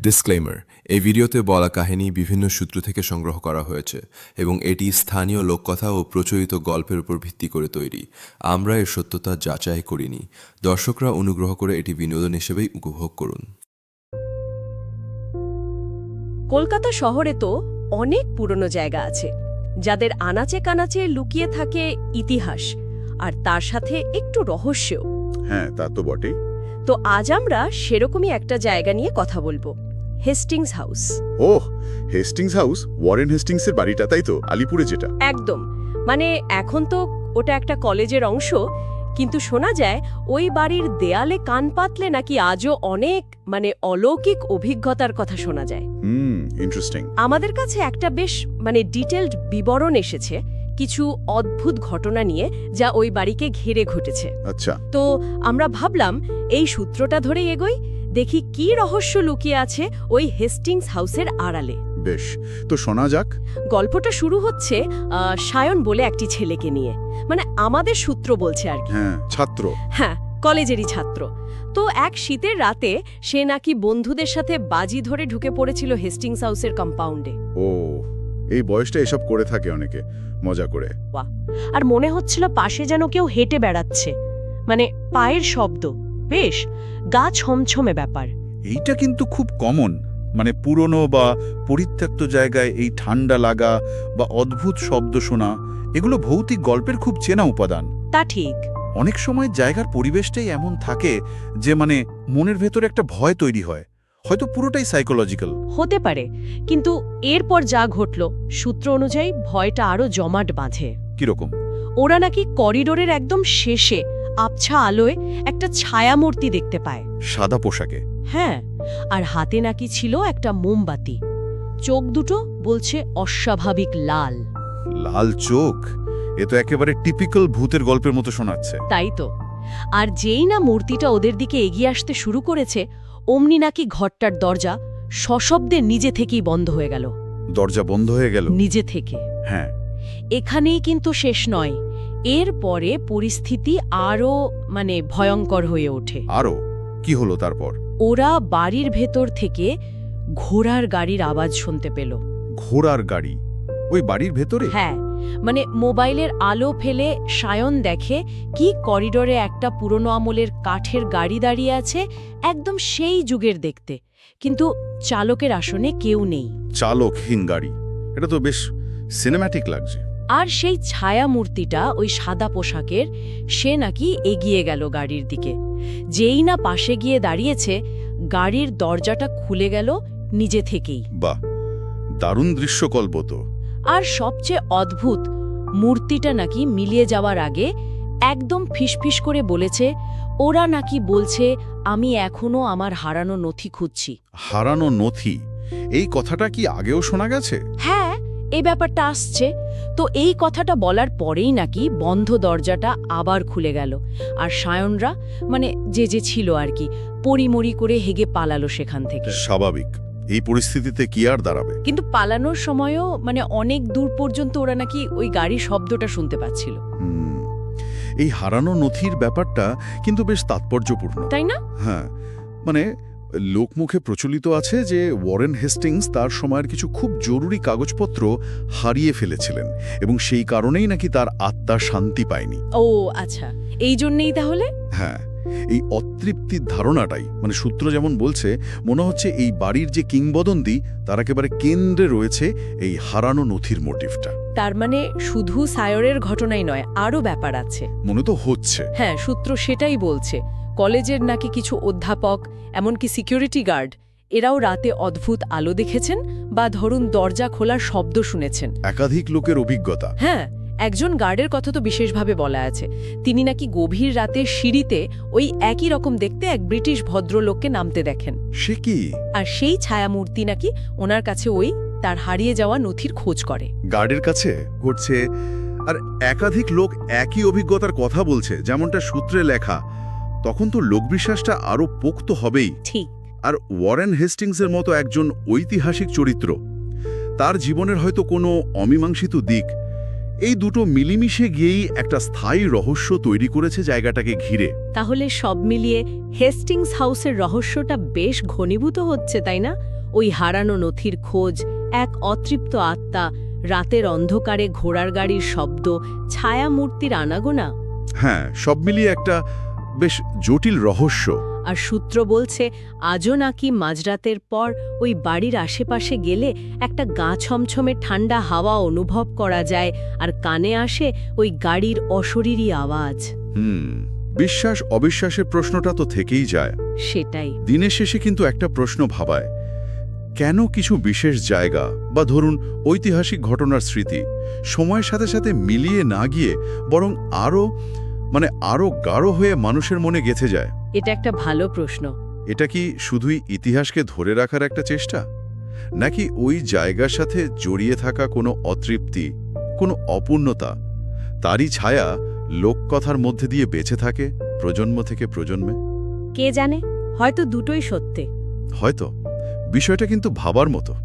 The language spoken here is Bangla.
ডিসক্লেইমার, এই ভিডিওতে বলা কাহিনী বিভিন্ন সূত্র থেকে সংগ্রহ করা হয়েছে এবং এটি স্থানীয় লোককথা ও প্রচলিত গল্পের উপর ভিত্তি করে তৈরি। আমরা এর সত্যতা যাচাই করিনি। দর্শকরা অনুগ্রহ করে এটি বিনোদন হিসেবেই উপভোগ করুন। কলকাতা শহরে তো অনেক পুরনো জায়গা আছে, যাদের আনাচে কানাচে লুকিয়ে থাকে ইতিহাস আর তার সাথে একটু রহস্যও। হ্যাঁ, তা তো বটেই। তো আজ আমরা সেরকমই একটা জায়গা নিয়ে কথা বলবো, হেস্টিংস হাউস। ওহ, হেস্টিংস হাউস, ওয়ারেন হেস্টিংসের বাড়িটা, তাই তো? আলিপুরে যেটা। একদম, মানে এখন তো ওটা একটা কলেজের অংশ, কিন্তু শোনা যায় ওই বাড়ির দেয়ালে কান পাতলে নাকি আজও অনেক অলৌকিক অভিজ্ঞতার কথা শোনা যায়। ইন্টারেস্টিং। আমাদের কাছে একটা বেশ ডিটেলড বিবরণ এসেছে কিছু অদ্ভুত ঘটনা নিয়ে, যা ওই বাড়িকে ঘিরে ঘটেছে। আচ্ছা, তো আমরা ভাবলাম এই সূত্রটা ধরে এগোই, দেখি কি রহস্য লুকিয়ে আছে ওই হেস্টিংস হাউসের আড়ালে। বেশ, তো শোনা যাক। গল্পটা শুরু হচ্ছে সায়ন বলে একটি ছেলেকে নিয়ে, আমাদের সূত্র বলছে আর কি। হ্যাঁ, ছাত্র। হ্যাঁ, কলেজেরই ছাত্র। তো এক শীতের রাতে সে নাকি বন্ধুদের সাথে বাজি ধরে ঢুকে পড়েছিল হেস্টিংস হাউসের কম্পাউন্ডে। ও, এই বয়সটা এসব করে থাকে অনেকে, মজা করে। আর মনে হচ্ছিল পাশে যেন কেউ হেঁটে বেড়াচ্ছে, পায়ের শব্দ, বেশ গা ছমছমে ব্যাপার। এইটা কিন্তু খুব কমন, পুরনো বা পরিত্যক্ত জায়গায় এই ঠান্ডা লাগা বা অদ্ভুত শব্দ শোনা, এগুলো ভৌতিক গল্পের খুব চেনা উপাদান। তা ঠিক। অনেক সময় জায়গার পরিবেশটাই এমন থাকে যে মনের ভেতরে একটা ভয় তৈরি হয়, হয়তো পুরোটাই সাইকোলজিক্যাল হতে পারে। কিন্তু এরপর যা ঘটল, সূত্র অনুযায়ী ভয়টা আরো জমাট বাঁধে। কিরকম? ওরা নাকি করিডোরের একদম শেষে আবছা আলোয় একটা ছায়ামূর্তি দেখতে পায়, সাদা পোশাকে। হ্যাঁ, আর হাতে নাকি ছিল একটা মোমবাতি। চোখ দুটো বলছে অস্বাভাবিক লাল। লাল চোখ? এ তো একেবারে টিপিক্যাল ভূতের গল্পের মতো শোনাচ্ছে। তাই তো। আর যেই না মূর্তিটা ওদের দিকে এগিয়ে আসতে শুরু করেছে, অমনি নাকি ঘরটার দরজা সশব্দে নিজে থেকেই বন্ধ হয়ে গেল। দরজা বন্ধ হয়ে গেল নিজে থেকে? হ্যাঁ। এখানেই কিন্তু শেষ নয়, এরপরে পরিস্থিতি আরও ভয়ঙ্কর হয়ে ওঠে। আরো কি হলো তারপর? ওরা বাড়ির ভেতর থেকে ঘোড়ার গাড়ির আওয়াজ শুনতে পেল। ঘোড়ার গাড়ি ওই বাড়ির ভেতরে? হ্যাঁ, মোবাইলের আলো ফেলে সায়ন দেখে কি করিডোরে একটা পুরনো আমলের কাঠের গাড়ি দাঁড়িয়ে আছে, একদম সেই যুগের দেখতে, কিন্তু চালকের আসনে কেউ নেই। চালকহীন গাড়ি, এটা তো বেশ সিনেম্যাটিক লাগছে। আর সেই ছায়া মূর্তিটা ওই সাদা পোশাকের, সে নাকি এগিয়ে গেল গাড়ির দিকে। যেই না পাশে গিয়ে দাঁড়িয়েছে, গাড়ির দরজাটা খুলে গেল নিজে থেকেই। বাহ, দারুণ দৃশ্যকল্প তো। আর সবচেয়ে অদ্ভুত, মূর্তিটা নাকি মিলিয়ে যাওয়ার আগে একদম ফিসফিস করে বলেছে, ওরা নাকি বলছে আমি এখনো আমার হারানো নথি খুঁজছি। হারানো নথি? এই কথাটা কি আগেও শোনা গেছে? হ্যাঁ, এই ব্যাপারটা আসছে। তো এই কথাটা বলার পরেই নাকি বন্ধ দরজাটা আবার খুলে গেল, আর সায়নরা যে ছিল আর কি, পরিমরি করে হেগে পালালো সেখান থেকে। স্বাভাবিক, এই পরিস্থিতিতে কি আর দাঁড়াবে? কিন্তু পালানোর সময়ও অনেক দূর পর্যন্ত ওরা নাকি ওই গাড়ির শব্দটা শুনতে পাচ্ছিল। এই হারানো নথির ব্যাপারটা কিন্তু বেশ তাৎপর্যপূর্ণ, তাই না? হ্যাঁ, লোকমুখে প্রচলিত আছে যে ওয়ারেন হেস্টিংস তার সময়ের কিছু খুব জরুরি কাগজপত্র হারিয়ে ফেলেছিলেন এবং সেই কারণেই নাকি তার আত্মা শান্তি পায়নি। ও আচ্ছা, এই জন্যেই তাহলে? হ্যাঁ, এই অতৃপ্তির ধারণাটাই, সূত্র যেমন বলছে, মনে হচ্ছে এই বাড়ির যে কিংবদন্তি তার একেবারে কেন্দ্রে রয়েছে এই হারানো নথির মোটিভটা। তার শুধু সায়রের ঘটনাই নয়, আরও ব্যাপার আছে মনে তো হচ্ছে। হ্যাঁ, সূত্র সেটাই বলছে। কলেজের নাকি কিছু অধ্যাপক, এমনকি সিকিউরিটি গার্ড, এরাও রাতে অদ্ভুত আলো দেখেছেন বা ধরুন দরজা খোলার শব্দ শুনেছেন। একাধিক লোকের অভিজ্ঞতা। হ্যাঁ, একজন গার্ডের কথা তো বিশেষভাবে বলা আছে। তিনি নাকি গভীর রাতে সিঁড়িতে ওই একই রকম দেখতে এক ব্রিটিশ ভদ্রলোককে নামতে দেখেন। সে কি? আর সেই ছায়ামূর্তি নাকি ওনার কাছে ওই তার হারিয়ে যাওয়া নথির খোঁজ করে। গার্ডের কাছে ঘটছে, আর একাধিক লোক একই অভিজ্ঞতার কথা বলছে, যেমনটা সূত্রে লেখা। তখন তো লোকবিশ্বাসটা আরও পোক্ত হবেই। ঠিক। আর ওয়ারেন হেস্টিংসের মতো একজন ঐতিহাসিক চরিত্র, তার জীবনের হয়তো কোনো অমীমাংসিত দিক, এই দুটো মিলিমিশে গিয়েই একটা স্থায়ী রহস্য তৈরি করেছে জায়গাটাকে ঘিরে। তাহলে সব মিলিয়ে হেস্টিংস হাউসের রহস্যটা বেশ ঘনীভূত হচ্ছে, তাই না? ওই হারানো নথির খোঁজ, এক অতৃপ্ত আত্মা, রাতের অন্ধকারে ঘোড়ার গাড়ির শব্দ, ছায়ামূর্তির আনাগোনা। হ্যাঁ, সব মিলিয়ে একটা বেশ জটিল রহস্য। আর সূত্র বলছে আজও নাকি মাঝরাতের পর ওই বাড়ির আশেপাশে গেলে একটা গা ছমছমে ঠান্ডা হাওয়া অনুভব করা যায়, আর কানে আসে ওই গাড়ির অশরীরী আওয়াজ। বিশ্বাস অবিশ্বাসের প্রশ্নটা তো থেকেই যায়। সেটাই। দিনের শেষে কিন্তু একটা প্রশ্ন ভাবায়, কেন কিছু বিশেষ জায়গা বা ধরুন ঐতিহাসিক ঘটনার স্মৃতি সময়ের সাথে সাথে মিলিয়ে না গিয়ে বরং আরও গাঢ় হয়ে মানুষের মনে গেঁথে যায়? এটা একটা ভালো প্রশ্ন। এটা কি শুধুই ইতিহাসকে ধরে রাখার একটা চেষ্টা, নাকি ওই জায়গার সাথে জড়িয়ে থাকা কোনো অতৃপ্তি, কোনো অপূর্ণতা, তারই ছায়া লোককথার মধ্যে দিয়ে বেঁচে থাকে প্রজন্ম থেকে প্রজন্মে? কে জানে, হয়তো দুটোই সত্যি। হয়তো। বিষয়টা কিন্তু ভাবার মতো।